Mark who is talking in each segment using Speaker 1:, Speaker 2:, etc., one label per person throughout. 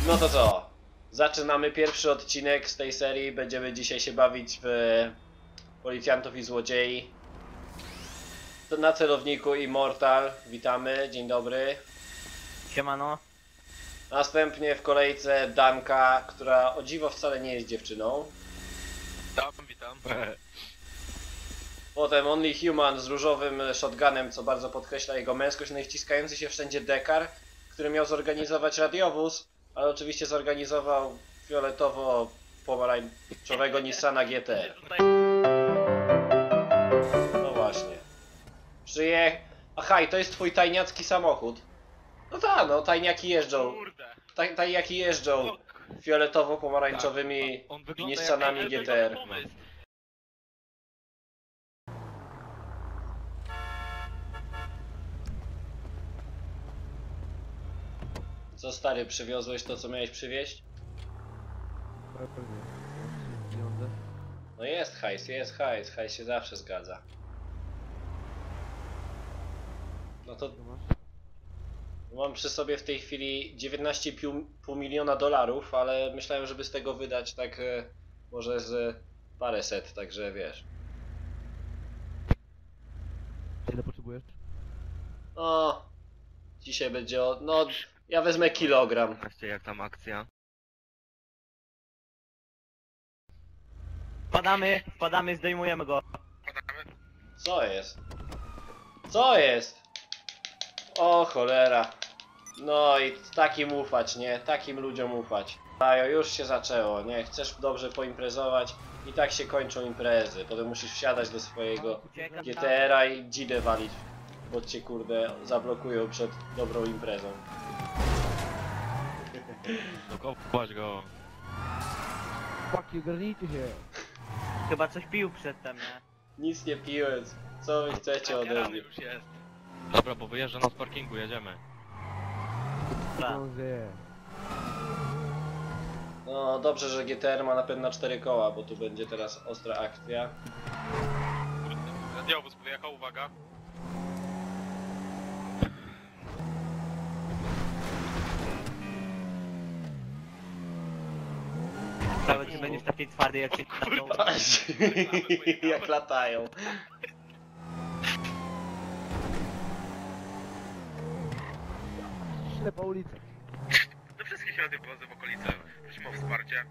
Speaker 1: No to co? Zaczynamy pierwszy odcinek z tej serii. Będziemy dzisiaj się bawić w policjantów i złodziei. To na celowniku Immortal. Witamy, dzień dobry.
Speaker 2: Siemano.
Speaker 1: Następnie w kolejce Danka, która o dziwo wcale nie jest dziewczyną.
Speaker 3: Witam.
Speaker 1: Potem Only Human z różowym shotgunem, co bardzo podkreśla jego męskość. No i wciskający się wszędzie Dekar, który miał zorganizować radiowóz, ale oczywiście zorganizował fioletowo-pomarańczowego Nissana GT. No właśnie. Aha, i to jest twój tajniacki samochód. No tak, no tajniaki jeżdżą.
Speaker 3: Kurde.
Speaker 1: Tajniaki jeżdżą fioletowo-pomarańczowymi
Speaker 3: On wygląda
Speaker 1: Nissanami
Speaker 3: jak
Speaker 1: GTR.
Speaker 3: pomysł.
Speaker 1: Co stary, przywiozłeś to, co miałeś przywieźć? No jest hajs, hajs się zawsze zgadza. No to mam przy sobie w tej chwili 19,5 miliona dolarów, ale myślałem, żeby z tego wydać tak może z paręset, także wiesz.
Speaker 4: Ile potrzebujesz?
Speaker 1: No, dzisiaj będzie no, ja wezmę kilogram.
Speaker 3: Patrzcie jak tam akcja.
Speaker 2: Wpadamy, zdejmujemy go.
Speaker 1: Co jest? Co jest? O cholera. No i takim ufać, nie? Takim ludziom ufać. Ajo, już się zaczęło, nie? Chcesz dobrze poimprezować i tak się kończą imprezy. Potem musisz wsiadać do swojego
Speaker 2: Uciekam.
Speaker 1: GTR-a i dzidę walić, bo cię kurde zablokują przed dobrą imprezą.
Speaker 3: Dokopać go.
Speaker 4: Chłopaki, ogarnijcie się!
Speaker 2: Chyba coś pił przedtem, nie?
Speaker 1: Nic nie piłem, co wy chcecie ode mnie?
Speaker 3: już jest. Dobra, bo wyjeżdża nas z parkingu, jedziemy.
Speaker 2: Dobra.
Speaker 4: Zdążę.
Speaker 1: No dobrze, że GTR ma napęd na 4 koła, bo tu będzie teraz ostra akcja.
Speaker 3: Radiowóz wyjechał, uwaga.
Speaker 2: Nawet nie będziesz taki twardy jak się
Speaker 1: Jak latają.
Speaker 4: Ślepa ulica.
Speaker 3: Do wszystkich radiowozów w okolicy. Prosimy o wsparcie.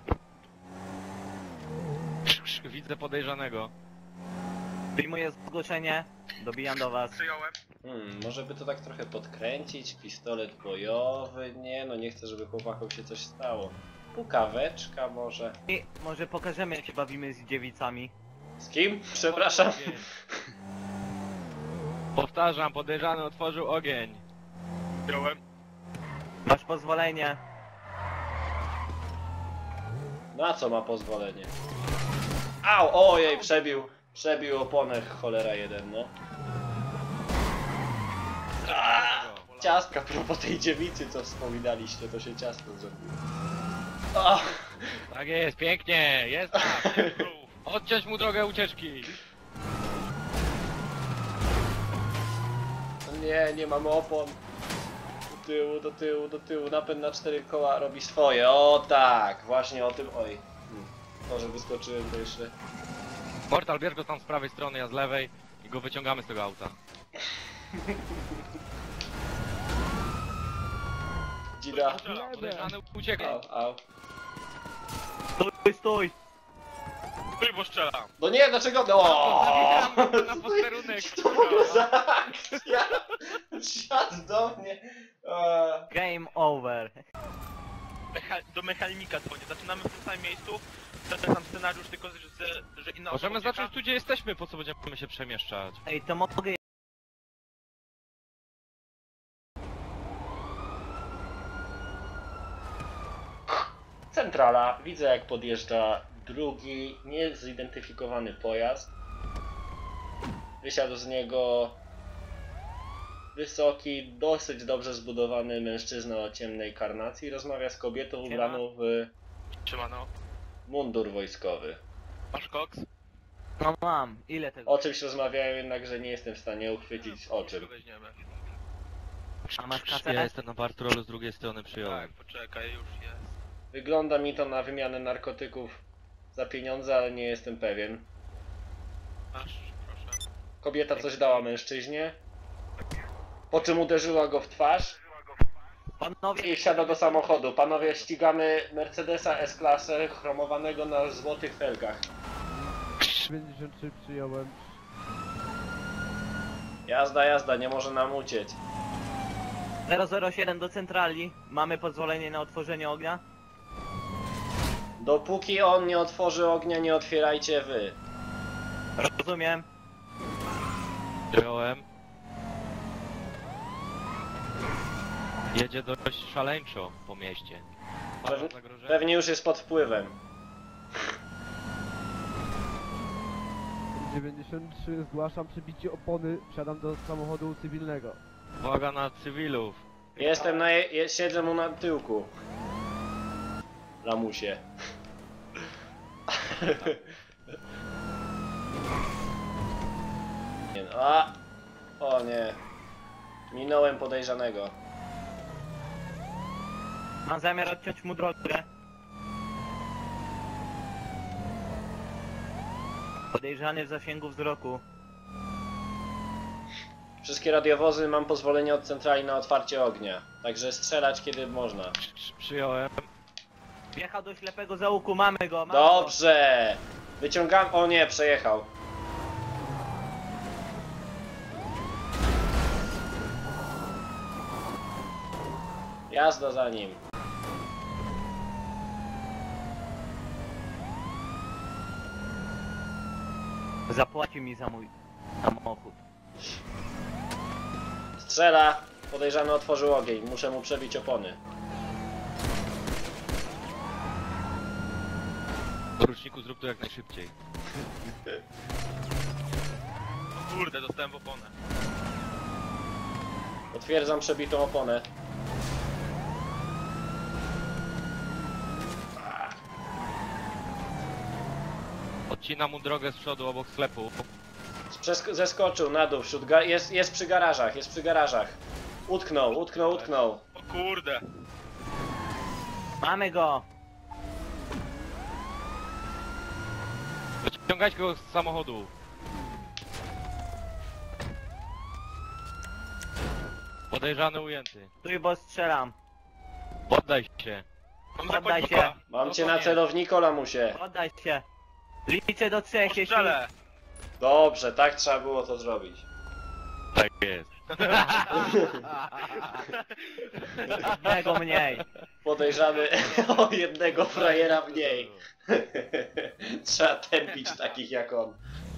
Speaker 3: Widzę podejrzanego.
Speaker 2: Wyjmuję zgłoszenie, dobijam do was.
Speaker 3: Przyjąłem.
Speaker 1: Może by to tak trochę podkręcić, pistolet bojowy, nie, no nie chcę, żeby chłopakom się coś stało. Pukaweczka może.
Speaker 2: I może pokażemy jak się bawimy z dziewicami.
Speaker 1: Z kim? Przepraszam.
Speaker 3: Powtarzam, podejrzany otworzył ogień. Przyjąłem.
Speaker 2: Masz pozwolenie.
Speaker 1: Na co ma pozwolenie? Au, ojej, przebił oponę, cholera jeden, no. Ciastka, propos tej dziewicy, co wspominaliście, to się ciasto zrobiło. O,
Speaker 3: Tak jest, pięknie, jest tak. Odciąć mu drogę ucieczki.
Speaker 1: nie mamy opon. Do tyłu, napęd na 4 koła robi swoje, o tak, właśnie o tym, oj. Może wyskoczyłem to jeszcze.
Speaker 3: Mortal, bierz go tam z prawej strony, ja z lewej i go wyciągamy z tego auta.
Speaker 1: Dzida.
Speaker 3: Podejrzany uciekał.
Speaker 1: Au.
Speaker 2: Stój!
Speaker 3: Stój, bo strzelam.
Speaker 1: No nie, dlaczego? No!
Speaker 3: Na posterunek.
Speaker 1: Co to w ogóle za akcja? Siadł do mnie.
Speaker 2: Game over.
Speaker 5: Do mechanika dzwonię. Zaczynamy w tym samym miejscu. Ten sam scenariusz, tylko że inna osoba
Speaker 3: Możemy
Speaker 5: ucieka.
Speaker 3: zacząć tu, gdzie jesteśmy, po co będziemy się przemieszczać?
Speaker 2: Ej, to mogę...
Speaker 1: Centrala. Widzę, jak podjeżdża drugi niezidentyfikowany pojazd. Wysiadł z niego wysoki, dosyć dobrze zbudowany mężczyzna o ciemnej karnacji. Rozmawia z kobietą ubraną w
Speaker 5: Trzymano.
Speaker 1: mundur wojskowy.
Speaker 5: Masz koks?
Speaker 2: No mam. Ile tego?
Speaker 1: O czymś rozmawiają, jednakże nie jestem w stanie uchwycić o czym.
Speaker 5: Weźmiemy.
Speaker 2: A masz
Speaker 3: Ja
Speaker 2: kasę?
Speaker 3: jestem na patrolu z drugiej strony, przyjąłem.
Speaker 5: Tak, poczekaj, już jest.
Speaker 1: Wygląda mi to na wymianę narkotyków za pieniądze, ale nie jestem pewien.
Speaker 5: Masz, proszę.
Speaker 1: Kobieta coś dała mężczyźnie, po czym uderzyła go w twarz
Speaker 2: Panowie,
Speaker 1: i wsiada do samochodu. Panowie, ścigamy Mercedesa S-klasę chromowanego na złotych felgach.
Speaker 4: 93 przyjąłem.
Speaker 1: Jazda, jazda, nie może nam uciec.
Speaker 2: 007 do centrali. Mamy pozwolenie na otworzenie ognia?
Speaker 1: Dopóki on nie otworzy ognia, nie otwierajcie wy.
Speaker 2: Rozumiem.
Speaker 3: Przyjąłem. Jedzie dość szaleńczo po mieście. Pana zagrożenie?
Speaker 1: Pewnie już jest pod wpływem.
Speaker 4: 93 zgłaszam przebicie opony. Wsiadam do samochodu cywilnego.
Speaker 3: Uwaga na cywilów.
Speaker 1: Jestem siedzę mu na tyłku. Lamusie. Nie, no, a! O nie. Minąłem podejrzanego.
Speaker 2: Mam zamiar odciąć mu drogę. Podejrzany w zasięgu wzroku.
Speaker 1: Wszystkie radiowozy mam pozwolenie od centrali na otwarcie ognia. Także strzelać kiedy można.
Speaker 3: Przyjąłem.
Speaker 2: Wjechał do ślepego załuku, mamy go, mamy
Speaker 1: Dobrze! Wyciągam. O nie, przejechał. Jazda za nim.
Speaker 2: go. Zapłaci mi za mój samochód.
Speaker 1: Strzela. Podejrzany otworzył ogień. Muszę mu przebić opony.
Speaker 3: Poruczniku, zrób to jak najszybciej.
Speaker 5: O kurde, dostałem w oponę.
Speaker 1: Potwierdzam przebitą oponę.
Speaker 3: Odcina mu drogę z przodu obok sklepu.
Speaker 1: Zeskoczył na dół. Jest przy garażach. Jest przy garażach. Utknął, utknął, utknął.
Speaker 5: O kurde.
Speaker 2: Mamy go!
Speaker 3: Wyciągać go z samochodu. Podejrzany ujęty.
Speaker 2: Stój, bo strzelam.
Speaker 3: Poddaj się.
Speaker 5: Mam
Speaker 2: Poddaj
Speaker 5: zakładnika.
Speaker 2: się.
Speaker 1: Mam cię na celowniku, lamusie.
Speaker 2: Oddaj się. Liczę do 3, jeśli...
Speaker 5: Strzelę.
Speaker 1: Dobrze, tak trzeba było to zrobić.
Speaker 3: Tak jest.
Speaker 2: Jednego mniej.
Speaker 1: Podejrzany o jednego frajera mniej. Trzeba tępić takich jak on.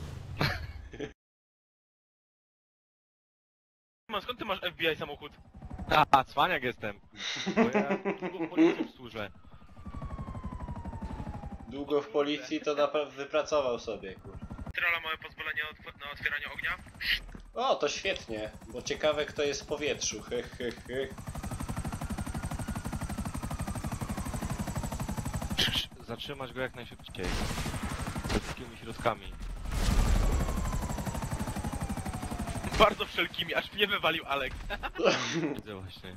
Speaker 5: Skąd ty masz FBI samochód?
Speaker 3: A, cwaniak jestem. Bo ja długo w policji służę.
Speaker 1: Długo w policji to naprawdę wypracował sobie, kur.
Speaker 5: Trola, mamy pozwolenie na otwieranie ognia?
Speaker 1: O, to świetnie, bo ciekawe kto jest w powietrzu.
Speaker 3: Zatrzymać go jak najszybciej. Wszystkimi środkami.
Speaker 5: Bardzo wszelkimi, aż mnie wywalił Alex.
Speaker 3: Widzę właśnie.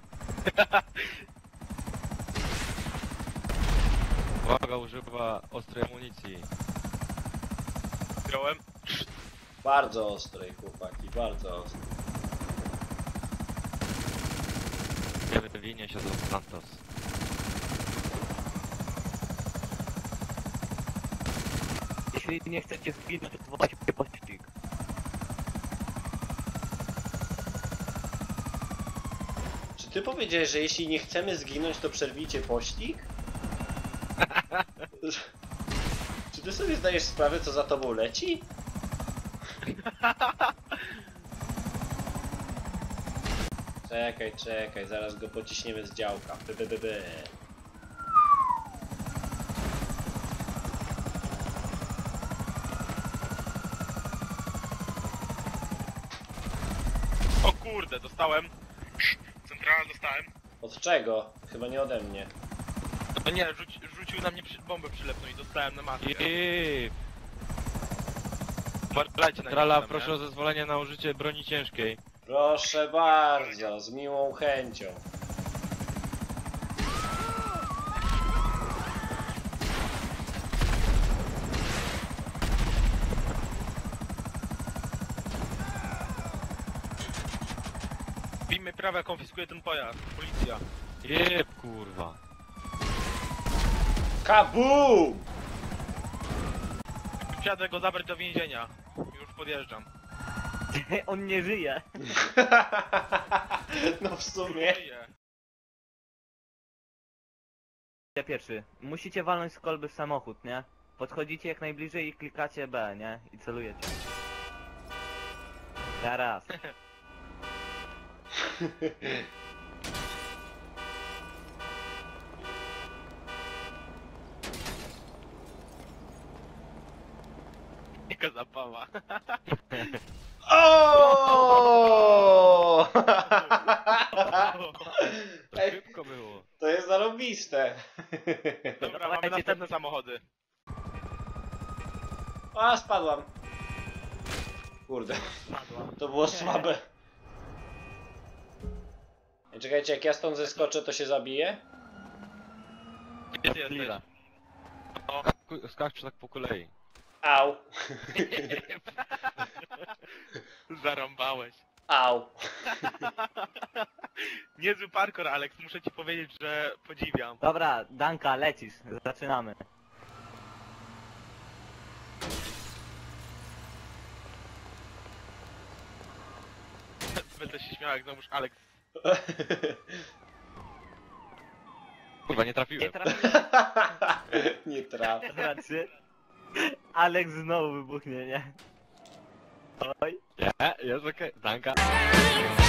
Speaker 3: Uwaga, używa ostrej amunicji.
Speaker 5: Wziąłem.
Speaker 1: Bardzo ostrej, chłopaki, bardzo ostrej.
Speaker 3: Nie wywinie się do Santos.
Speaker 2: Jeśli nie chcecie zginąć, to wołacie pościg.
Speaker 1: Czy ty powiedziałeś, że jeśli nie chcemy zginąć, to przerwijcie pościg? Czy ty sobie zdajesz sprawę, co za tobą leci? Czekaj, zaraz go pociśniemy z działka. By.
Speaker 5: O kurde, dostałem. Centrala dostałem.
Speaker 1: Od czego? Chyba nie ode mnie.
Speaker 5: No nie, rzucił na mnie bombę przylepną i dostałem na maskę.
Speaker 3: I
Speaker 5: Uważajcie na
Speaker 3: Trala,
Speaker 5: niego,
Speaker 3: proszę
Speaker 5: nie?
Speaker 3: o zezwolenie na użycie broni ciężkiej.
Speaker 1: Proszę bardzo, z miłą chęcią.
Speaker 5: W imię prawa konfiskuje ten pojazd. Policja.
Speaker 3: Jeb, kurwa.
Speaker 1: Kabum!
Speaker 5: Wsiadę go zabrać do więzienia. Już podjeżdżam.
Speaker 2: On nie żyje.
Speaker 1: No w sumie.
Speaker 5: Żyję.
Speaker 2: Ja pierwszy. Musicie walnąć z kolby w samochód, nie? Podchodzicie jak najbliżej i klikacie B, nie? I celujecie. Teraz.
Speaker 5: Jaka zabawa.
Speaker 1: O!
Speaker 3: To
Speaker 1: Ej,
Speaker 3: szybko było.
Speaker 1: to jest zarobiste.
Speaker 5: Dobra, mamy następne samochody.
Speaker 1: A, spadłam. Kurde, to było słabe. Ej, czekajcie, jak ja stąd zeskoczę, to się zabije?
Speaker 5: Gdzie ty jesteś?
Speaker 3: Lila. Skacz tak po kolei.
Speaker 1: Au.
Speaker 5: Zarąbałeś.
Speaker 1: Au.
Speaker 5: Niezły parkour, Alex, muszę ci powiedzieć, że podziwiam.
Speaker 2: Dobra, Danka, lecisz. Zaczynamy.
Speaker 5: Będę się śmiał, jak znowuż Alex.
Speaker 3: Kurwa, nie
Speaker 2: Nie
Speaker 3: trafiłem.
Speaker 2: trafiłem.
Speaker 1: Nie trafię.
Speaker 2: Dobra, 3. Alex znowu wybuchnie, nie? Oj.
Speaker 3: Nie, jest okej. Danka.